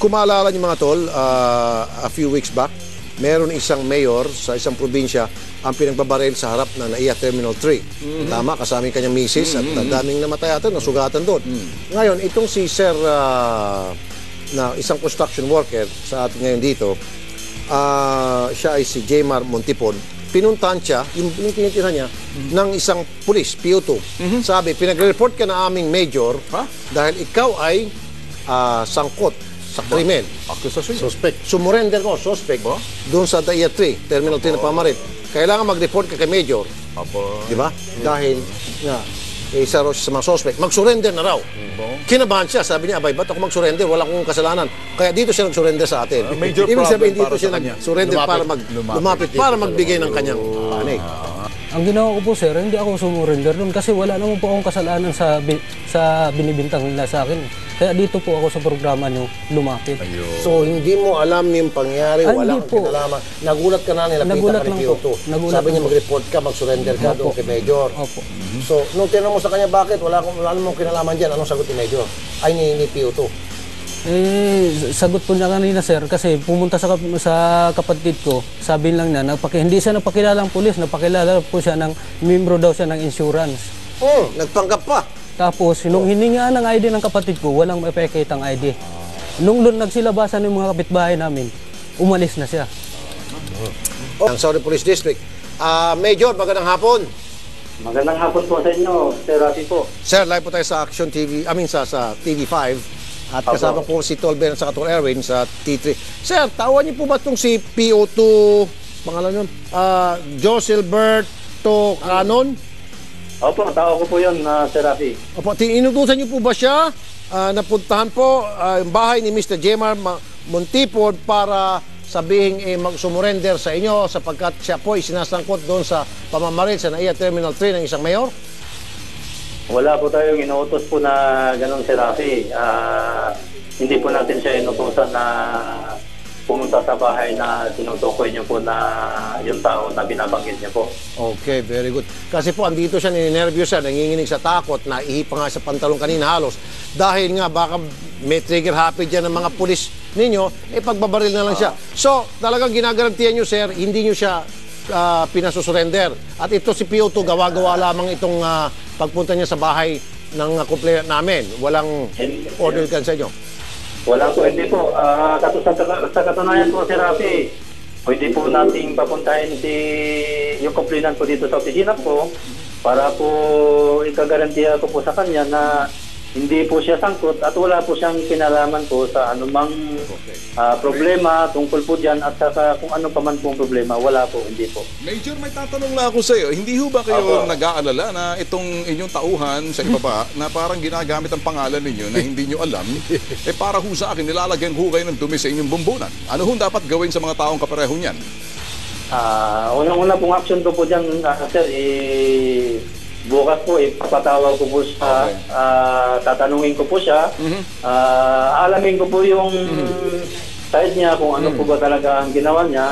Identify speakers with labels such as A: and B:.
A: Kung maalala niyo mga tol, a few weeks back, meron isang mayor sa isang probinsya ang pinagbabaril sa harap ng NAIA Terminal 3. Tama, kasama yung kanyang misis at daming namatay ata, nasugatan doon. Ngayon, itong si Sir na isang construction worker sa atin ngayon dito, siya ay si Jmar Montipon. Pinuntahan siya, yung tinitira niya, ng isang pulis, PO2. Sabi, pinag-report ka na aming major dahil ikaw ay sangkot sa krimen. Suspect. Sumurrender ko, suspect, doon sa NAIA 3, Terminal 3 na pamarin. Kailangan mag-report ka kay major. Di ba? Dahil nga, isa raw siya sa mga suspect. Mag-surrender na raw. Kinabahan siya. Sabi niya, abay, ba't ako mag-surrender? Wala akong kasalanan. Kaya dito siya nag-surrender sa atin. Ibig sabihin, dito siya nag-surrender para lumapit, para magbigay ng kanyang panig.
B: Ang ginawa ko po, sir, hindi ako sumurrender doon kasi wala naman po akong kasalanan sa binibintang nila sa akin. Kaya dito po ako sa programa nyo lumapit.
A: So, hindi mo alam yung pangyari, wala kang kinalaman. Nagulat ka na, nilapitan ka ni PO2. Sabi niya mag-report ka, mag-surrender ka doon kay Major. So, nung tinanong mo sa kanya, bakit? Wala mong kinalaman dyan. Anong sagot ni Major? Ay, ni PO2.
B: Sagot po niya kanina, sir, kasi pumunta sa kapatid ko, sabi lang niya, hindi siya napakilalang pulis, napakilala po siya ng, membro daw siya ng insurance.
A: Nagpanggap pa.
B: Tapos, nung hininga ng ID ng kapatid ko, walang epekit ang ID. Nung nagsilabasan ng mga kapitbahay namin, umalis na siya.
A: Ang Saudi Police District. Major, magandang hapon.
C: Magandang hapon po sa inyo, Sir Rafi po.
A: Sir, live po tayo sa Action TV, sa TV5. At kasama po si Tolben at sa Tol Erwin sa T3. Sir, tawan niyo po ba itong si PO2, pangalan yun? Joselberto Canon?
C: Opo, tao ko po yun, Sir Rafi.
A: Opo, inutusan niyo po ba siya? Napuntahan po yung bahay ni Mr. Jmar Montipon para sabihin mag-sumurrender sa inyo sapagkat siya po ay sinasangkot doon sa pamamaril sa NAIA Terminal 3 ng isang mayor?
C: Wala po tayong inuutos po na gano'n, Sir Rafi. Hindi po natin siya inutusan na pumunta sa bahay na tinutukoy niyo po na yung tao na binabanggit niyo po.
A: Okay, very good. Kasi po, andito siya, ninenervyos siya, nanginginig sa takot, naihipa nga sa pantalon kanina halos. Dahil nga, baka may trigger happy dyan ng mga pulis ninyo, pagbabaril na lang siya. So, talagang ginagarantiyan niyo, sir, hindi niyo siya pinasusurrender. At ito si PO2, gawa-gawa lamang itong pagpunta niya sa bahay ng complainant namin. Walang order kan sa inyo.
C: Wala po, hindi po. Sa katunayan po, Sir Rafi, pwede po nating papuntahin yung complainant po dito sa opisina po para po ikagarantiya ko po sa kanya na hindi po siya sangkot at wala po siyang kinalaman po sa anumang problema tungkol po dyan at saka kung ano pa man pong problema, wala po, hindi po.
D: Major, may tatanong lang ako sa iyo. Hindi ho ba kayo nag-aalala na itong inyong tauhan sa ibaba na parang ginagamit ang pangalan ninyo na hindi nyo alam, para ho sa akin, nilalagyan ho kayo ng dumi sa inyong bumbunan. Ano ho dapat gawin sa mga taong kapareho niyan?
C: Unang-una pong action ko po dyan, sir, bukas po, ipapatawag ko po siya, tatanungin ko po siya, alamin ko po yung side niya, kung ano po ba talaga ang ginawa niya.